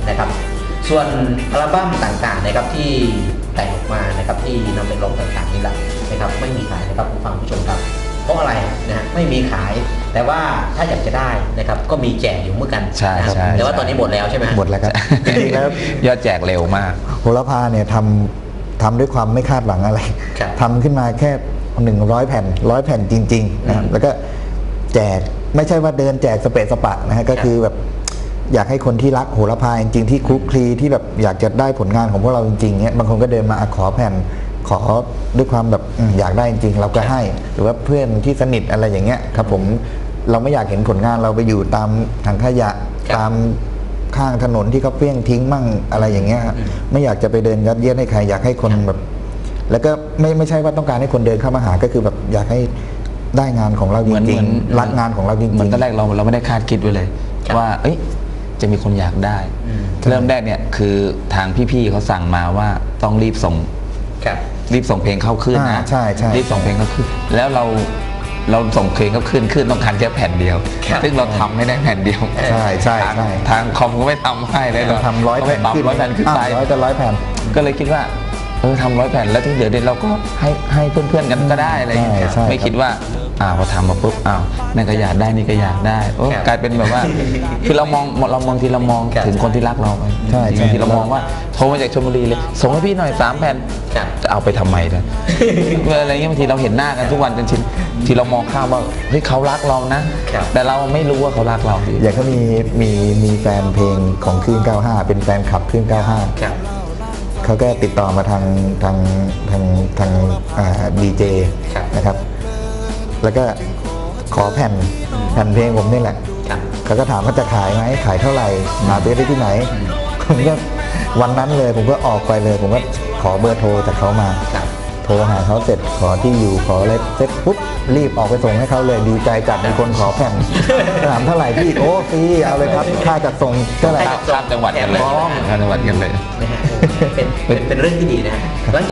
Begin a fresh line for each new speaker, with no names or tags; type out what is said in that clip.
นะครับส่วนอัลบั้มต่างๆนะครับที่แต่งออกมานะครับที่นำไปร้องต่างๆนี่แหละนะครับไม่มีขายนะครับผู้ฟังผู้ชมครับเพราะอะไรนะฮะไม่มีขายแต่ว่าถ้าอยากจะได้นะครับก็มีแจกอยู่เหมือนกัน
ใช่
นะครับแต่ว่าตอนนี้หมดแล้วใช่ไหม
หมดแล้วครับจริงๆแล้ว
ยอดแจกเร็วมาก
โหระพาเนี่ยทำด้วยความไม่คาดหวังอะไร
ครับ
ทำขึ้นมาแค่100 แผ่น100 แผ่นจริงๆนะครับแล้วก็แจกไม่ใช่ว่าเดินแจกสเปะสปะนะฮะก็คือแบบอยากให้คนที่รักโหระพาจริงๆที่คลุกคลีที่แบบอยากจะได้ผลงานของพวกเราจริงๆเนี่ยบางคนก็เดินมาขอแผ่นขอด้วยความแบบอยากได้จริงๆเราก็ให้หรือว่าเพื่อนที่สนิทอะไรอย่างเงี้ยครับผมเราไม่อยากเห็นผลงานเราไปอยู่ตามถังขยะตามข้างถนนที่เขาเปี้ยงทิ้งมั่งอะไรอย่างเงี้ยไม่อยากจะไปเดินยัดเยียดให้ใครอยากให้คนแบบแล้วก็ไม่ใช่ว่าต้องการให้คนเดินเข้ามาหาก็คือแบบอยากให้ได้งานของเราจริงๆรักงานของเราจริงๆ
เหมือนตอนแรกเราไม่ได้คาดคิดไว้เลยว่าเอ้ยจะมีคนอยากได้เริ่มแรกเนี่ยคือทางพี่ๆเขาสั่งมาว่าต้องรีบส่งเพลงเข้าขึ้นนะ
ใช่
รีบส่งเพลงเข้าขึ้นแล้วเราส่งเพลงเข้าขึ้นต้องการแค่แผ่นเดียวซึ่งเราทำไม่ได้แผ่นเดียว
ใช่
ทางคอมก็ไม่ทำให้เลย
เราทำ100 แผ่นขึ้น
100 แผ่นขึ้นไป
100 แผ่น
ก็เลยคิดว่าทำ100 แผ่นแล้วที่เหลือเราก็ให้เพื่อนๆกันก็ได้อะไรอย่างเงี้ยไม่คิดว่าพอทำมาปุ๊บนั่นก็อยากได้นี่ก็อยากได้กลายเป็นแบบว่าคือเรามองทีเรามองถึงคนที่รักเราไปบางทีเรามองว่าโทรมาจากชลบุรีเลยส่งให้พี่หน่อย3 แผ่นจะเอาไปทำไมเนี่ยอะไรเงี้ยบางทีเราเห็นหน้ากันทุกวันจนชินทีเรามองข้ามว่าเฮ้ยเขารักเรานะแต่เราไม่รู้ว่าเขารักเรา
อย่างก็มีแฟนเพลงของคลื่น95เป็นแฟนคลับคลื่น95เขาก็ติดต่อมาทางดีเจนะครับแล้วก็ขอแผ่นเพลงผมนี่แหละเขาก็ถามว่าจะขายไหมขายเท่าไหร่หาซื้อได้ที่ไหนผมก็วันนั้นเลยผมก็ออกไปเลยผมก็ขอเบอร์โทรจากเขามาโทรหาเขาเสร็จขอที่อยู่ขออะไรเสร็จปุ๊บรีบออกไปส่งให้เขาเลยดีใจจัดมีคนขอแผ่นถามเท่าไหร่พี่โอ้ฟรีเอาเลยครับค่าจัดส่งเท่าไหร่
ข้ามจังหวัดกันเลยข้ามจังหวัดกันเลย
เป็นเรื่องที่ดีนะ